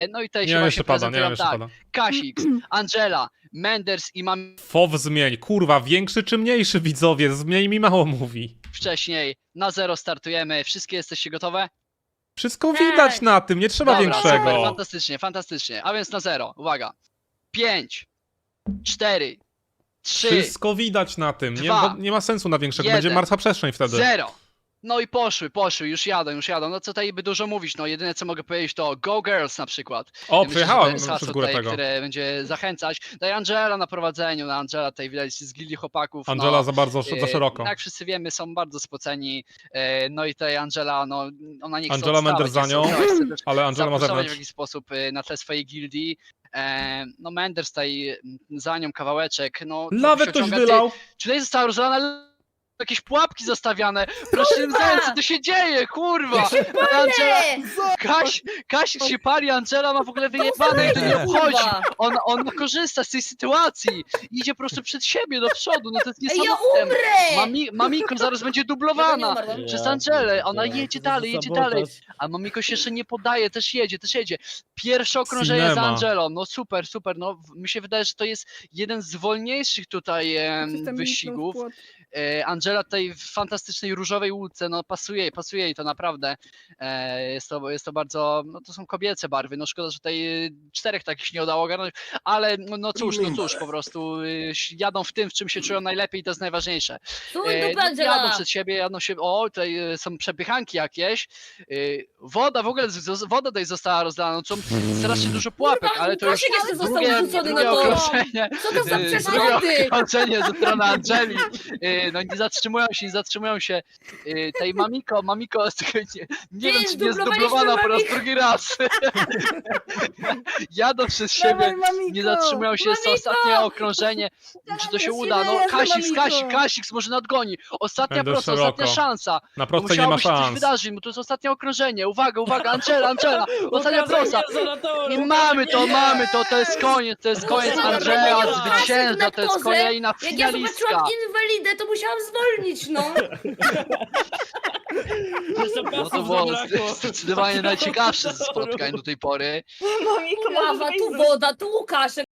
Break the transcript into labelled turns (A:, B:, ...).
A: No i tutaj
B: Nie
A: się
B: mam
A: właśnie
B: jeszcze pada, nie mam
A: prezentują
B: jeszcze
A: tak.
B: pada.
A: Kasix, Angela, Menders i mam
B: FOW zmień, kurwa, większy czy mniejszy widzowie? Zmień mi mało mówi.
A: wcześniej. Na 0 startujemy. Wszystkie jesteście gotowe?
B: Wszystko
C: Tak.
B: widać na tym, nie trzeba
A: Dobra, super,
B: większego.
A: fantastycznie, fantastycznie. A więc na 0, uwaga. 5, 4, 3,
B: Wszystko widać na tym, nie,
A: Dwa,
B: bo nie ma sensu na większego,
A: jeden,
B: będzie martwa przestrzeń wtedy.
A: 0. No i poszły, już jadą. No co tutaj by dużo mówić, no jedyne co mogę powiedzieć to Go Girls na przykład.
B: O,
A: Myślę, że
B: przejechałem
A: to jest
B: przez
A: hasło
B: górę
A: tutaj,
B: tego.
A: które będzie zachęcać. Daj Angela na prowadzeniu, Angela tutaj widać z gildii chłopaków.
B: Angela
A: no,
B: za bardzo, za szeroko.
A: Jak wszyscy wiemy, są bardzo spoceni. No i tutaj Angela, no ona nie chce
B: Angela
A: odstawać,
B: Menders za
A: nie chce
B: nią,
A: odstawać, chce też
B: ale Angela ma
A: zapuszczać w
B: zewnątrz.
A: jakiś sposób na tle swojej gildii. No Menders tutaj za nią kawałeczek. No,
B: Lawę
A: się
B: ktoś
A: ociąga.
B: wylał!
A: Czy tutaj została rozlana jakieś pułapki zostawiane? Proszę nie zająć, co tu się dzieje, kurwa! Angela, Kasik się pali, Angela ma w ogóle wyjebane i to nie obchodzi. On korzysta z tej sytuacji. Idzie po prostu przed siebie, do przodu, no to jest
C: Ej, ja
A: niesamowite.
C: umrę!
A: Mamiko zaraz będzie dublowana przez Angelę, ona jedzie dalej, a Mamiko się jeszcze nie podaje, też jedzie. Pierwsze okrążenie za
B: Cinema.
A: Angelą, no super, no mi się wydaje, że to jest jeden z wolniejszych tutaj wyścigów. Angela tutaj w fantastycznej różowej łódce, no pasuje jej to naprawdę. Jest to bardzo, no to są kobiece barwy, no szkoda, że tutaj 4 takich się nie udało ogarnąć, ale no cóż, po prostu jadą w tym, w czym się czują najlepiej i to jest najważniejsze. Jadą przed siebie, o tutaj są przepychanki jakieś, woda tutaj została rozlana, no, są strasznie dużo pułapek, ale to już
C: Kasik jeszcze został
A: drugie
C: wrzucony na to.
A: okrążenie.
C: Co to za
A: Drugie
C: przeszkody?
A: okrążenie ze strony Angeli. No nie zatrzymują się. Tej Mamiko, nie wiem, czy nie jest dublowana po raz drugi raz. Jadą przez siebie, nie zatrzymują się, jest to ostatnie okrążenie. Czy to się uda? No Kasik może nadgoni. Ostatnia
B: Będę
A: prosta,
B: szeroko.
A: ostatnia szansa.
B: Na
A: Bo
B: prostej nie ma
A: musiałoby się coś
B: szans.
A: wydarzyć, bo to jest ostatnie okrążenie. Uwaga, Angela, ostatnia prosta. I mamy to jest koniec, Angela zwycięża, to jest kolejna
C: Jak ja
A: finalistka.
C: zobaczyłam inwalidę, to musiałam zwolnić, no.
A: No to było zdecydowanie najciekawsze ze spotkań do tej pory.
C: Lawa, tu woda, tu Łukaszek.